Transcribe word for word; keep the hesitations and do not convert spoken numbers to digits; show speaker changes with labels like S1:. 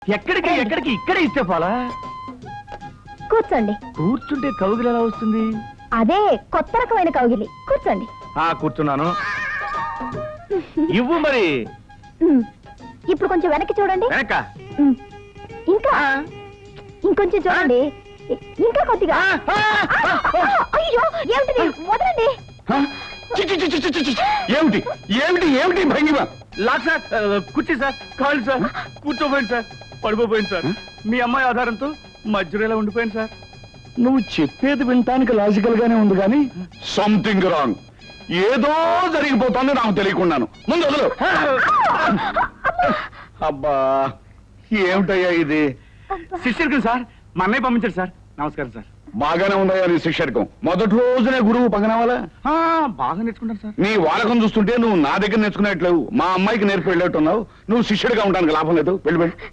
S1: ఎక్కడికి ఎక్కడికి ఇక్కడే ఇస్తే పోలా
S2: కూర్చోండి.
S1: కూర్చుంటే కౌగిలి ఎలా వస్తుంది?
S2: అదే కొత్త రకమైన కౌగిలి. కూర్చోండి.
S1: ఆ కూర్చున్నాను. ఇవ్వు మరి.
S2: ఉమ్. ఇప్పుడు కొంచెం వెనక్కి చూడండి.
S1: వెనక
S2: ఉమ్. ఇంకా ఇంకొంచెం చూడండి. ఇ- ఇంకా కొద్దిగా. అయ్యో ఏమిటిది? వదలండి.
S3: చి, చి, చి, చి, చి, చి. ఏమిటి ఏమిటి ఏమిటి భంగిమ?
S1: లాక్ సార్, కుర్చీ సార్, కాళ్ళు సార్, కూర్చోపోయింది సార్, పడిపోయింది సార్. మీ అమ్మాయి ఆధారంతో మధ్యలో ఇలా ఉండిపోయింది సార్.
S3: నువ్వు చెప్పేది వినటానికి లాజికల్ గానే ఉంది కానీ సంథింగ్ రాంగ్. ఏదో జరిగిపోతుంది నాకు తెలియకున్నాను. ముందు వదలు. అబ్బా ఏమిటయ్యా ఇది?
S1: శిష్యుడికి సార్ మా అన్నయ్య పంపించారు సార్. నమస్కారం సార్.
S3: బాగానే ఉందయ్యా నీ శిష్యర్కం. మొదటి రోజునే గురువు పగనవాలా?
S1: ఆ, బాగా నేర్చుకుంటారు సార్.
S3: నీ వాడకం చూస్తుంటే నువ్వు నా దగ్గర నేర్చుకునేట్లేవు, మా అమ్మాయికి నేర్పి వెళ్ళేట్టున్నావు. నువ్వు శిష్యుడిగా ఉండడానికి లాభం లేదు. వెళ్ళి వెళ్ళి